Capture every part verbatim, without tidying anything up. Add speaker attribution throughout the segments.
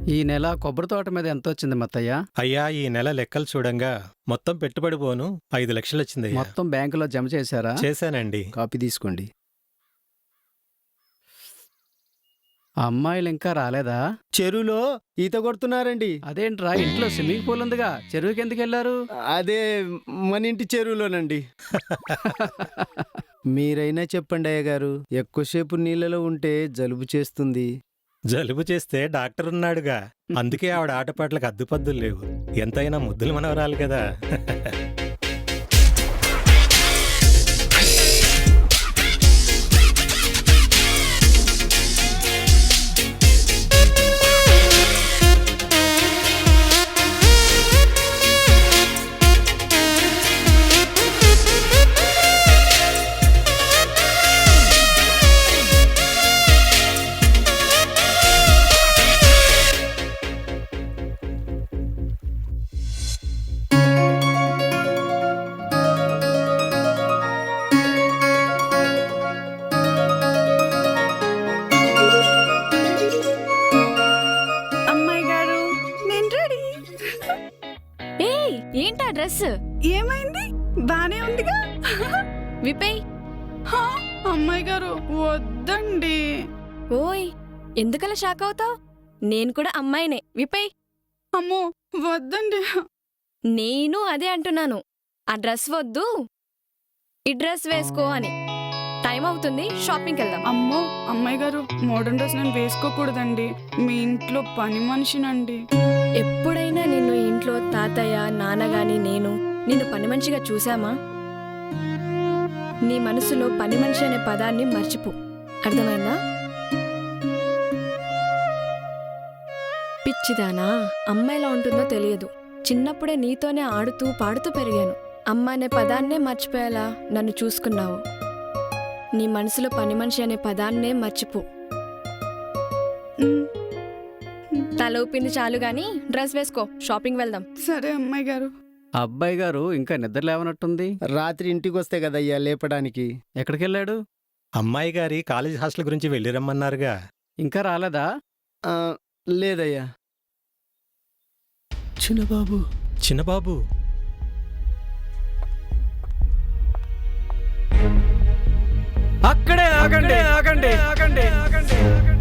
Speaker 1: ఈ నెల కొబ్బరి తోట మీద ఎంత వచ్చింది మత్తయ్య?
Speaker 2: అయ్యా ఈ నెల లెక్కలు చూడంగా మొత్తం పెట్టుబడి పోను ఐదు లక్షలు వచ్చిందయ్యా.
Speaker 1: మొత్తం బ్యాంకులో జమ చేశారా?
Speaker 2: చేశానండి.
Speaker 1: కాపీ తీసుకోండి. అమ్మాయిలు ఇంకా రాలేదా?
Speaker 3: చెరువులో ఈత కొడుతున్నారండి.
Speaker 1: అదేంట్రా, ఇంట్లో స్విమ్మింగ్ పూల్ ఉందిగా, చెరువుకి ఎందుకు వెళ్ళారు?
Speaker 3: అదే మన ఇంటి చెరువులోనండి. మీరైనా చెప్పండి అయ్య గారు, ఎక్కువసేపు నీళ్ళలో ఉంటే జలుబు చేస్తుంది.
Speaker 2: జలుబు చేస్తే డాక్టర్ ఉన్నాడుగా, అందుకే ఆవిడ ఆటపాట్లకు అద్దుపద్దులు లేవు. ఎంతైనా ముద్దులు మనవరాలు కదా.
Speaker 4: ఏంటా డ్రెస్?
Speaker 5: ఏమైంది? బానే ఉందిగా.
Speaker 4: విపేయ్.
Speaker 5: అమ్మాయి గారు వద్దండి.
Speaker 4: ఓయ్, ఎందుకలా షాక్ అవుతావు? నేను కూడా అమ్మాయినే. విపేయ్.
Speaker 5: అమ్మో వద్దండి.
Speaker 4: నేను అదే అంటున్నాను, ఆ డ్రెస్ వద్దు, ఈ డ్రెస్ వేసుకో అని. టైం అవుతుంది, షాపింగ్కి వెళ్దాం.
Speaker 5: అమ్మో అమ్మాయి గారు, మోడర్న్ డ్రెస్ నేను వేసుకోకూడదండి. మీ ఇంట్లో పని మనిషినండి.
Speaker 4: ఎప్పుడైనా నిన్ను ఇంట్లో తాతయ్య నాన్నగాని నేను నిన్ను పని మనిషిగా చూశామా? నీ మనసులో పని మనిషి అనే పదాన్ని మర్చిపో, అర్థమైందా? పిచ్చిదానా, అమ్మాయిలా ఉంటుందో తెలియదు. చిన్నప్పుడే నీతోనే ఆడుతూ పాడుతూ పెరిగాను. అమ్మ అనే పదాన్నే మర్చిపోయేలా నన్ను చూసుకున్నావు. నీ మనసులో పని మనిషి అనే పదాన్నే మర్చిపో. తల ఊపింది చాలు గాని డ్రెస్ వేసుకో, షాపింగ్ వెళ్దాం.
Speaker 5: సరే అమ్మాయి గారు.
Speaker 1: అబ్బాయి గారు ఇంకా నిద్ర లేవనట్టుంది.
Speaker 3: రాత్రి ఇంటికి వస్తే కదయ్యా లేపడానికి.
Speaker 1: ఎక్కడికి వెళ్ళాడు?
Speaker 2: అమ్మాయి గారి కాలేజ్ హాస్టల్ గురించి వెళ్ళి రమ్మన్నారుగా.
Speaker 1: ఇంకా రాలేదా?
Speaker 3: ఆ, లేదయ్యా. చిన్నబాబు
Speaker 2: చిన్నబాబు
Speaker 1: అక్కడే ఆగండి, ఆగండి, ఆగండి, ఆగండి.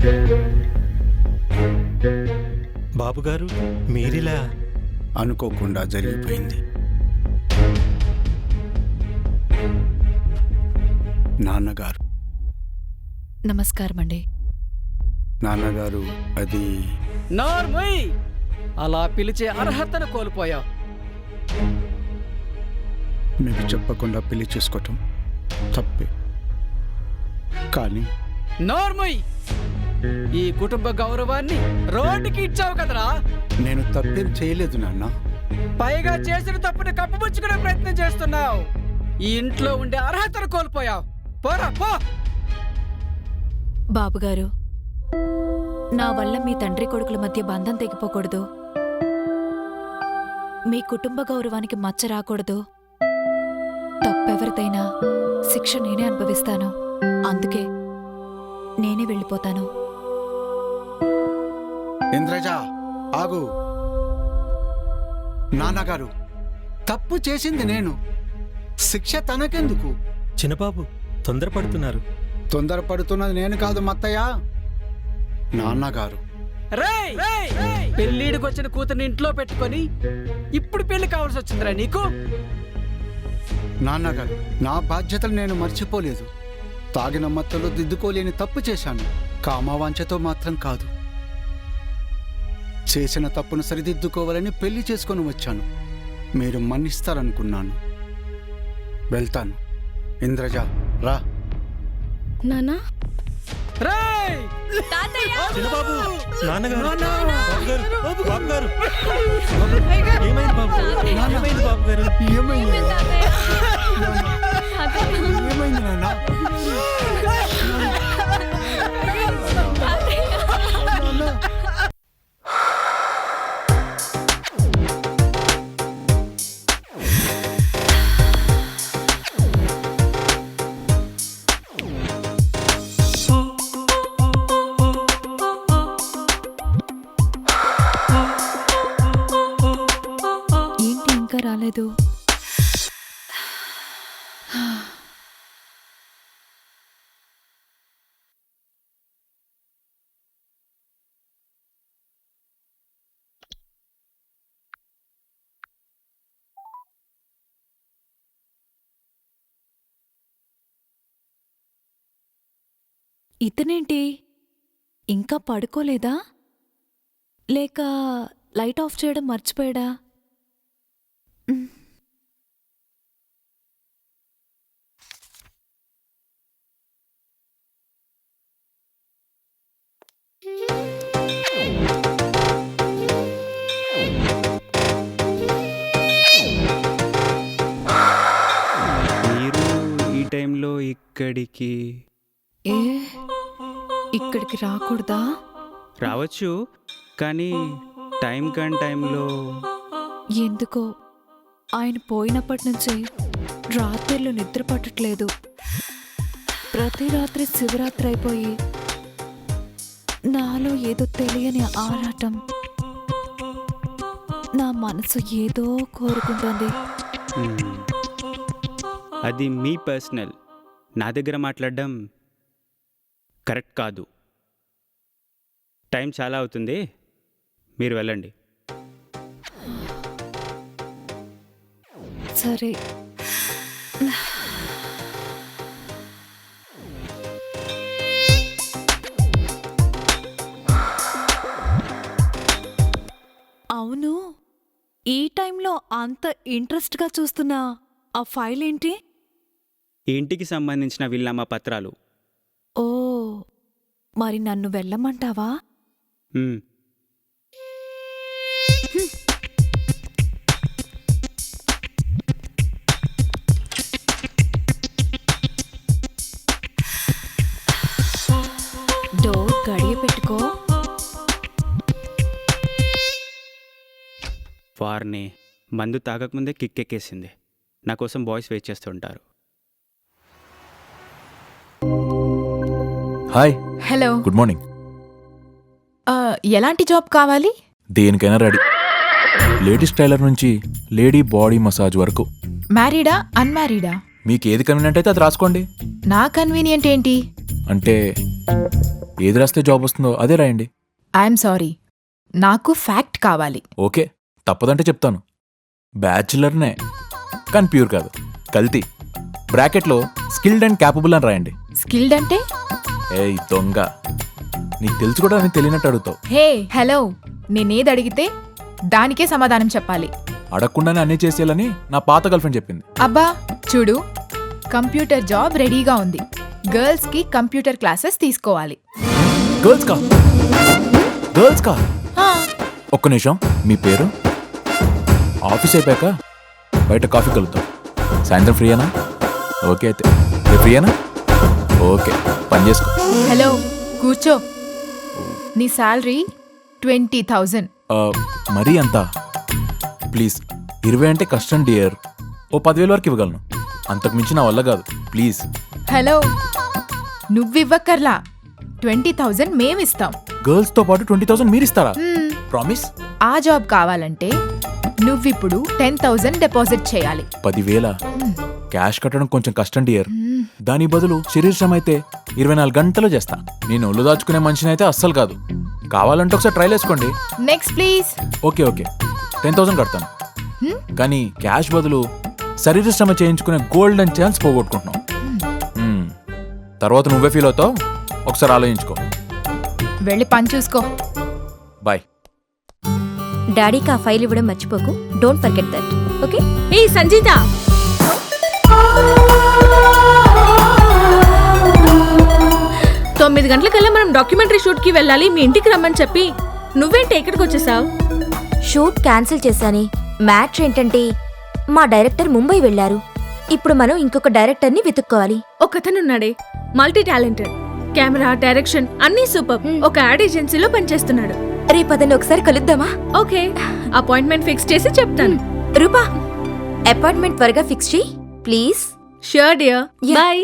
Speaker 2: బాబుగారు మీరిలా?
Speaker 6: అనుకోకుండా జరిగిపోయింది. నాన్నగారు.
Speaker 7: నమస్కారం అండి.
Speaker 6: నాన్నగారు అది
Speaker 1: నార్మయ్, అలా పిలిచే అర్హతను కోల్పోయావు.
Speaker 6: మీకు చెప్పకుండా పెళ్లి చేసుకోవటం తప్పే, కానీ
Speaker 1: నార్మయ్, ఈ కుటుంబ గౌరవాన్ని రోడ్డుకి ఇచ్చావు కదరా.
Speaker 6: నేను తప్పేం చేయలేదు నాన్న.
Speaker 1: పైగా చేసిన తప్పుని కప్పుపుచ్చుకునే ప్రయత్నం చేస్తున్నావు. ఈ ఇంట్లో ఉండే అర్హతను కోల్పోయావు. పోరా పో.
Speaker 7: బాబుగారు, నా వల్ల మీ తండ్రి కొడుకుల మధ్య బంధం తెగిపోకూడదు, మీ కుటుంబ గౌరవానికి మచ్చ రాకూడదు. తప్పెవరిదైనా శిక్ష నేనే అనుభవిస్తాను. అందుకే నేనే వెళ్ళిపోతాను.
Speaker 6: ఇంద్రజ ఆగు. నాన్నగారు, తప్పు చేసింది నేను, శిక్ష తనకెందుకు?
Speaker 2: చిన్నబాబు తొందరపడుతున్నారు.
Speaker 6: తొందరపడుతున్నది నేను కాదు మత్తయ్య, నాన్నగారు.
Speaker 1: పెళ్లిడికి వచ్చిన కూతుర్ని ఇంట్లో పెట్టుకొని ఇప్పుడు పెళ్లి కావాల్సి వచ్చిందిరా నీకు?
Speaker 6: నాన్నగారు, నా బాధ్యతలు నేను మర్చిపోలేదు. తాగిన మత్తులో దిద్దుకోలేని తప్పు చేశాను. కామవాంఛతో మాత్రం కాదు. చేసిన తప్పును సరిదిద్దుకోవాలని పెళ్లి చేసుకొని వచ్చాను. మీరు మన్నిస్తారనుకున్నాను. వెళ్తాను. ఇంద్రజ రా.
Speaker 4: నానా,
Speaker 2: చిన్నబాబు, నాన్నగారు, బాబుగారు, బాబుగారు. ఏమైంది బాబు? ఏమైంది బాబుగారు?
Speaker 6: ఏమైంది ఏమైంది నాన్న?
Speaker 7: ఇతనేంటి ఇంకా పడుకోలేదా లేక లైట్ ఆఫ్ చేయడం మర్చిపోయాడా? ఉమ్.
Speaker 8: మీరు ఈ టైంలో ఇక్కడికి
Speaker 7: ఏ ఇక్కడికి రాకూడదా?
Speaker 8: రావచ్చు, కానీ టైం కాని టైంలో
Speaker 7: ఎందుకో ఆయన పోయినప్పటి నుంచి రాత్రిళ్ళు నిద్ర పట్టట్లేదు. ప్రతి రాత్రి శివరాత్రి అయిపోయి నాలో ఏదో తెలియని ఆరాటం, నా మనసు ఏదో కోరుకుంటోంది.
Speaker 8: మ్మ్. అది మీ పర్సనల్. నా దగ్గర మాట్లాడడం కరెక్ట్ కాదు. టైం చాలా అవుతుంది, మీరు వెళ్ళండి.
Speaker 7: సరే. అవును, ఈ టైంలో అంత ఇంట్రెస్ట్గా చూస్తున్నా ఆ ఫైల్ ఏంటి?
Speaker 8: ఇంటికి సంబంధించిన వీళ్ళమ్మ పత్రాలు.
Speaker 7: ఓ, మరి నన్ను వెళ్ళమంటావా?
Speaker 8: మ్మ్.
Speaker 7: డోర్ గడియ పెట్టుకో.
Speaker 8: వారిని మందు తాగకముందే కిక్కెక్కేసింది. నా కోసం బాయ్స్ వెయిట్ చేస్తుంటారు.
Speaker 9: Hi,
Speaker 10: hello,
Speaker 9: good morning.
Speaker 10: ఆ, ఎలాంటి జాబ్ కావాలి?
Speaker 9: దేనికైనా రెడీ. లేడీస్ టైలర్ నుంచి లేడీ బాడీ మసాజ్ వరకు.
Speaker 10: మ్యారీడా అన్మ్యారీడా?
Speaker 9: మీకు ఏది కన్వీనియంట్ అయితే అది రాసుకోండి.
Speaker 10: నా కన్వీనియంట్ ఏంటి?
Speaker 9: అంటే ఏది రాస్తే జాబ్ వస్తుందో అదే రాయండి.
Speaker 10: ఐఎమ్ సారీ, నాకు ఫ్యాక్ట్ కావాలి.
Speaker 9: ఓకే, తప్పదంటే చెప్తాను. బ్యాచులర్నే, కానీ ప్యూర్ కాదు, కల్తీ. బ్రాకెట్లో స్కిల్డ్ అండ్ క్యాపబుల్ అని రాయండి.
Speaker 10: స్కిల్డ్ అంటే?
Speaker 9: ఏయ్ దొంగ, నీకు తెలుసు కూడా అని తెలియనట్టు అడుగుతావు.
Speaker 10: హే హలో, నేనేది అడిగితే దానికే సమాధానం చెప్పాలి.
Speaker 9: అడగకుండానే అన్నీ చేసేయాలని నా పాత గర్ల్ ఫ్రెండ్ చెప్పింది.
Speaker 10: అబ్బా చూడు, కంప్యూటర్ జాబ్ రెడీగా ఉంది. గర్ల్స్ కి కంప్యూటర్ క్లాసెస్ తీసుకోవాలి.
Speaker 9: గర్ల్స్ కా గర్ల్స్ కా
Speaker 10: ఆ,
Speaker 9: ఒక్క నిమిషం, మీ పేరు? ఆఫీస్ అయిపోయాక బయట కాఫీ కలుద్దాం. సాయంత్రం ఫ్రీయేనా? ఓకే, అయితే రేపు ఫ్రీయేనా? ఓకే, పని చేసుకో.
Speaker 10: హలో కూర్చో. నీ శాలరీ ట్వంటీ థౌజండ్.
Speaker 9: ఆ, మరీ అంతా? ప్లీజ్, ఇరవై అంటే కష్టం డియర్. ఓ పదివేల వరకు ఇవ్వగలను, అంతకు మించి నా వల్ల కాదు. ప్లీజ్.
Speaker 10: హలో, నువ్వివ్వక్కర్లా, ట్వంటీ థౌజండ్ మేమిస్తాం.
Speaker 9: గర్ల్స్తో పాటు ట్వంటీ థౌసండ్ మీరు ఇస్తారా?
Speaker 10: మ్మ్.
Speaker 9: ప్రామిస్?
Speaker 10: ఆ జాబ్ కావాలంటే నువ్విప్పుడు టెన్ థౌజండ్ డిపాజిట్ చేయాలి.
Speaker 9: పదివేల క్యాష్ కట్టడం కొంచెం కష్టం డియర్.
Speaker 10: మ్మ్.
Speaker 9: దాని బదులు శరీరం అయితే ఇరవై నాలుగు గంటలు చేస్తా. నేను ఒళ్ళు దాచుకునే మనిషిని అయితే అస్సలు కాదు. కావాలంటే ఒకసారి ట్రైల్ వేసుకోండి.
Speaker 10: Next please.
Speaker 9: Okay okay, ten thousand కడతాను.
Speaker 10: హ్మ్?
Speaker 9: కానీ క్యాష్ బదులు శరీర శ్రమ చేయించుకునే గోల్డెన్ ఛాన్స్ పోగొట్టుకుంటున్నాం. మ్మ్. తర్వాత నువ్వే ఫీల్ అవుతావు, ఒకసారి ఆలోచించుకో.
Speaker 10: వెళ్ళి పని చూసుకో.
Speaker 9: బాయ్.
Speaker 11: డాడీకి ఆ ఫైల్ ఇవ్వడం మర్చిపోకు. Don't forget that, okay?
Speaker 7: ఏ సంజీత, తొమ్మిది గంటలకల్లా మనం డాక్యుమెంటరీ షూట్కి వెళ్ళాలి. మీ ఇంటికి రమ్మని చెప్పి నువ్వేంటి ఇక్కడికి వచ్చేసావు?
Speaker 11: Shoot cancel చేశాని. మ్యాచ్ ఏంటంటే మా డైరెక్టర్ ముంబై వెళ్లారు. ఇప్పుడు మనం ఇంకొక డైరెక్టర్ని వెతుక్కోవాలి.
Speaker 7: ఒకతనున్నాడే, మల్టీ టాలెంటెడ్, కెమెరా, డైరెక్షన్ అన్నీ సూపర్. ఒక యాడ్ ఏజెన్సీలో పనిచేస్తున్నాడు.
Speaker 11: రేపు అతన్ని ఒకసారి కలుద్దామా?
Speaker 7: ఓకే, అపాయింట్మెంట్ ఫిక్స్ చేసి చెప్తాను.
Speaker 11: రూపా, అపాయింట్మెంట్ త్వరగా ఫిక్స్ చేయి please.
Speaker 7: Sure dear, bye.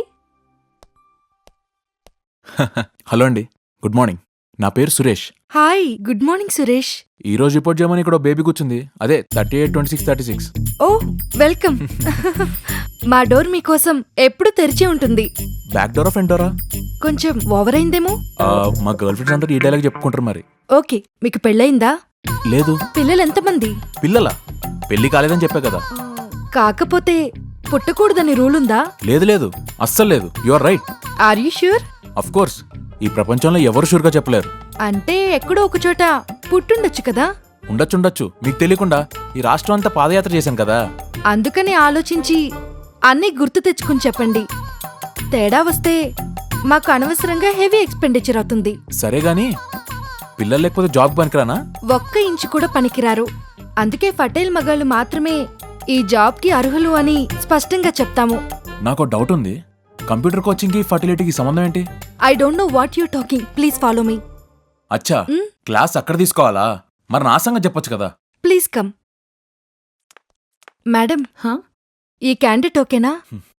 Speaker 9: Hello అండి, గుడ్ మార్నింగ్. నా పేరు Suresh.
Speaker 11: Hi, good morning Suresh.
Speaker 9: ఈ రోజు రిపోర్ట్ చేయమని ఇక్కడ బేబీ కూర్చుంది. అదే thirty eight twenty six thirty six.
Speaker 11: Oh welcome. మా డోర్ మీకోసం ఎప్పుడు తెరిచే ఉంటుంది.
Speaker 9: బ్యాక్ డోరా ఫ్రంట్ డోరా?
Speaker 11: కొంచెం ఓవర్ అయిందేమో.
Speaker 9: మా గర్ల్ ఫ్రెండ్స్ అందరూ ఈ డైలాగ్ చెప్పుకుంటారు మరి.
Speaker 11: ఓకే, మీకు పెళ్ళయిందా?
Speaker 9: లేదు.
Speaker 11: పిల్లలు ఎంతమంది?
Speaker 9: పిల్లలా? పెళ్లి కాలేదని చెప్పా కదా.
Speaker 11: కాకపోతే పుట్టకూడదని రూల్ ఉందా?
Speaker 9: లేదు లేదు, అస్సలు లేదు. You are right.
Speaker 11: Are you sure?
Speaker 9: Of course, ఈ ప్రపంచంలో ఎవరు షూర్గా చెప్పలేరు.
Speaker 10: అంటే ఎక్కడో ఒక చోట పుట్టుండొచ్చు కదా.
Speaker 9: ఉండొచ్చుండొచ్చు, మీకు తెలియకుండా ఈ రాష్ట్రం అంతా పాదయాత్ర చేశాను కదా.
Speaker 10: అందుకని ఆలోచించి అన్నీ గుర్తు తెచ్చుకుని చెప్పండి. తేడా వస్తే మాకు అనవసరంగా హెవీ ఎక్స్పెండిచర్ అవుతుంది.
Speaker 9: సరే గాని పిల్లలు లేకపోతే జాబ్ పనికిరానా?
Speaker 10: ఒక్క ఇంచు కూడా పనికిరారు. అందుకే పటేల్ మగాళ్ళు మాత్రమే ఈ జాబ్కి అర్హులు అని స్పష్టంగా చెప్తాము.
Speaker 9: నాకు డౌట్ ఉంది, కంప్యూటర్ కోచింగ్కి ఫర్టిలిటీకి సంబంధం ఏంటి?
Speaker 10: I don't know what you talking, please follow me.
Speaker 9: అచ్చా, క్లాస్ అక్కడ తీసుకోవాలా? మరి నా సంగతి చెప్పొచ్చు కదా.
Speaker 10: Please come. మేడం, ఈ క్యాండిడేట్ ఓకేనా?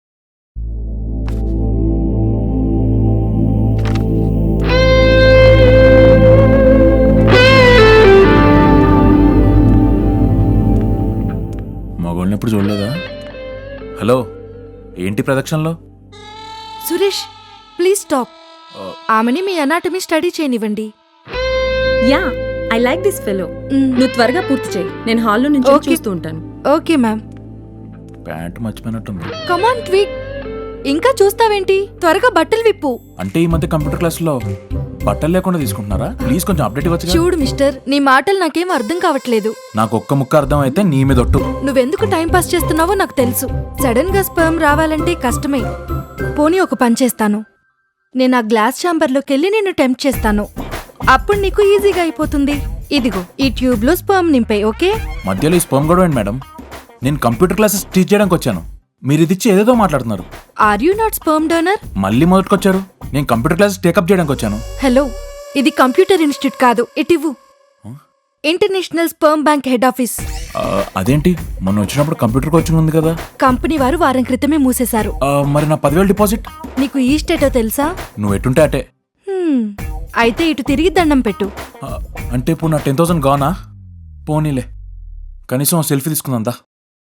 Speaker 9: మగోళ్ళని ఎప్పుడు చూడలేదా? హలో, ఏంటి ప్రదక్షిణలో?
Speaker 10: Suresh, please stop. ఆమెని మీ అనాటమీ స్టడీ చేయనివ్వండి.
Speaker 12: Yeah, I like this fellow. నువ్వు త్వరగా పూర్తి చేయి, నేను హాల్లో నుంచి చూస్తూ ఉంటాను.
Speaker 10: Okay ma'am.
Speaker 9: ప్యాంట్ మర్చిపోయినట్టుంది.
Speaker 10: కమాన్ ట్వీక్, ఇంకా చూస్తావేంటి? త్వరగా బట్టలు విప్పు.
Speaker 9: అంటే ఈ మధ్య కంప్యూటర్ క్లాస్లో బట్టలు లేకుండా తీసుకుంటున్నారా? ప్లీజ్ కొంచెం అప్డేట్ ఇవ్వచ్చు.
Speaker 10: చూడు మిస్టర్, నీ మాటలు నాకేం అర్థం కావట్లేదు.
Speaker 9: నాకు ఒక్క ముక్క అర్థం అయితే నీ మీద ఒట్టు.
Speaker 10: నువ్వెందుకు టైం పాస్ చేస్తున్నావో నాకు తెలుసు. సడన్ గా స్పర్మ్ రావాలంటే కష్టమే. పోనీ ఒక పని చేస్తాను, నేను ఆ గ్లాస్ ఛాంబర్లోకి వెళ్ళి నిన్ను టెంప్ట్ చేస్తాను. అప్పుడు నీకు ఈజీగా అయిపోతుంది. ఇదిగో ఈ ట్యూబ్ లో స్పర్మ్ నింపాయి. ఓకే?
Speaker 9: మధ్యలో ఈ స్పర్మ్ గొడవ ఏంటి మేడం? నేను కంప్యూటర్ క్లాసెస్ టీచ్ చేయడానికి వచ్చాను, మీరు ఇది ఇచ్చి ఏదేదో మాట్లాడుతున్నారు.
Speaker 10: Are you not sperm donor?
Speaker 9: మళ్ళీ మొదటికొచ్చారు. నేను కంప్యూటర్ క్లాసెస్ టేకప్ చేయడానికి వచ్చాను.
Speaker 10: హలో, ఇది కంప్యూటర్ ఇన్స్టిట్యూట్ కాదు, ఇటివ్వు. International sperm bank head office.
Speaker 9: అదేంటి, మొన్న వచ్చినప్పుడు కంప్యూటర్ కోచింగ్ ఉంది కదా?
Speaker 10: కంపెనీ వారు వారం క్రితమే మూసేశారు.
Speaker 9: మరి నా పదివేలు డిపాజిట్?
Speaker 10: నీకు ఈ స్టేటో తెలుసా?
Speaker 9: నువ్వు ఎటుంటే అటే.
Speaker 10: అయితే ఇటు తిరిగి దండం పెట్టు.
Speaker 9: అంటే ఇప్పుడు నా టెన్ థౌసండ్ గానా? పోనీలే, కనీసం సెల్ఫీ తీసుకుందా.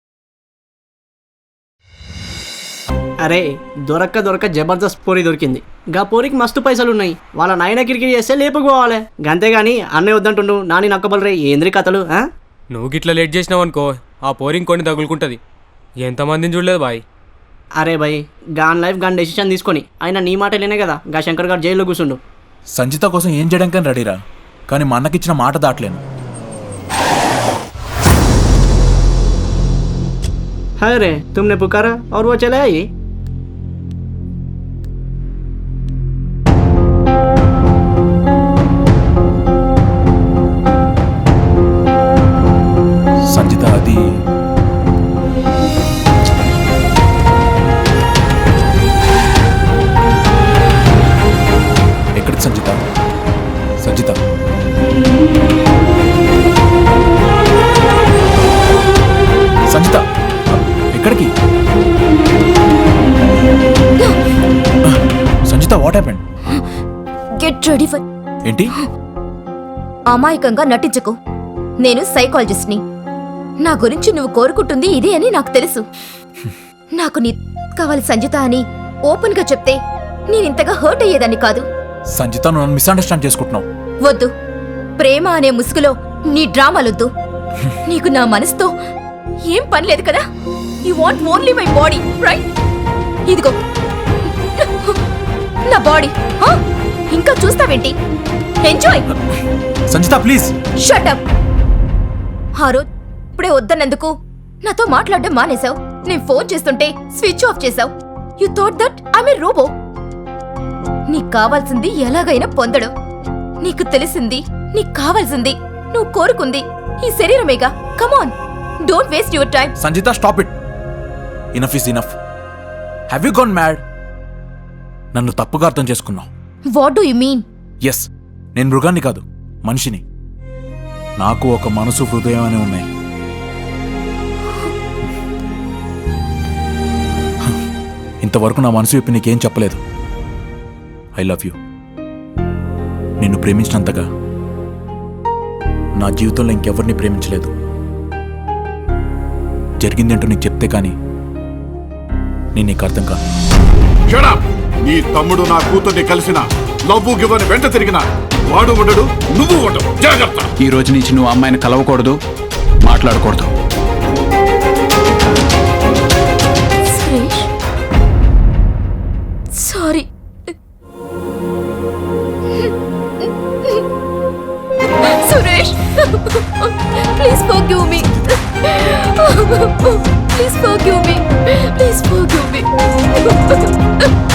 Speaker 13: అరే, దొరక్క దొరక్క జబర్దస్త్ పోరి దొరికింది. గా పోరికి మస్తు పైసలు ఉన్నాయి. వాళ్ళ నాయన కిరికిరి చేస్తే లేపుకోవాలి. గంతేగాని అన్నయ్య వద్దంటుండు, నాని నక్కబలరే ఏంద్రి కథలు.
Speaker 14: నువ్వు గిట్లా లేట్ చేసినావు అనుకో, ఆ పోరింగ్ కొన్ని తగులుకుంటుంది. ఎంతమందిని చూడలేదు బాయ్.
Speaker 13: అరే boy, gone life gone decision తీసుకొని ఆయన నీ మాటలేనే కదా గా శంకర్ గారు జైల్లో కూర్చుండు.
Speaker 9: సంజిత కోసం ఏం చేయడానికి రెడీరా, కానీ మా అన్నకిచ్చిన మాట దాటలేను.
Speaker 13: అరే తుమ్నే పుకారా और वो चले आई.
Speaker 9: సంజిత అది ఎక్కడికి సంజిత? సంజిత సంజిత ఎక్కడికి? Sanjitha, what happened?
Speaker 11: Get ready for.
Speaker 9: ఏంటి?
Speaker 11: అమాయకంగా నటించకు. నేను సైకాలజిస్ట్ని. నా గురించి నువ్వు కోరుకుంటుంది ఇదే అని నాకు తెలుసు. నాకు నీ కావాలి సంజిత అని ఓపెన్ గా చెప్తే నేనింతగా హర్ట్ అయ్యేదాన్ని కాదు.
Speaker 9: సంజిత, నువ్వు నన్ను మిస్అండర్స్టాండ్ చేసుకుంటున్నావు.
Speaker 11: వద్దు, ప్రేమ అనే ముసుగులో నీ డ్రామాలొద్దు. నీకు నా మనసుతో ఏం పని లేదు కదా. You want only my body, right? ఇదిగో నా బాడీ. ఇంకా చూస్తావేంటి? Enjoy.
Speaker 9: Sanjitha please
Speaker 11: shut up. ఆ రోజు ఇప్పుడే వద్దన్నందుకు నాతో మాట్లాడడం మానేశావు. నేను ఫోన్ చేస్తుంటే స్విచ్ ఆఫ్ చేశావు. You thought that I'm a robot. నీకు కావాల్సింది ఎలాగైనా పొందడం. నీకు తెలిసింది, నీకు కావాల్సింది, నువ్వు కోరుకుంది ఈ శరీరమేగా. Come on, don't waste your time.
Speaker 9: Sanjitha, stop it. Enough is enough. Have you gone mad? నన్ను తప్పుగా అర్థం చేసుకున్నావు.
Speaker 11: What do you mean?
Speaker 9: Yes, నేను మృగాన్ని కాదు, మనిషిని. నాకు ఒక మనసు, హృదయం అని ఉన్నాయి. ఇంతవరకు నా మనసు చెప్పి నీకేం చెప్పలేదు. I love you. నిన్ను ప్రేమించినంతగా నా జీవితంలో ఇంకెవరిని ప్రేమించలేదు. జరిగిందేంటో నీకు చెప్తే కానీ నేను నీకు అర్థం కాదు.
Speaker 15: నీ తమ్ముడు నా కూతుర్ని కలిసిన లవ్వు గివ్వని వెంట తిరిగిన వాడు ఉండడు, నువ్వు ఉండవు. జాగ్రత్త.
Speaker 16: ఈ రోజు నుంచి నువ్వు అమ్మాయిని కలవకూడదు, మాట్లాడకూడదు.
Speaker 11: Sorry. Rajesh. Please forgive me. Please forgive me. Please forgive me.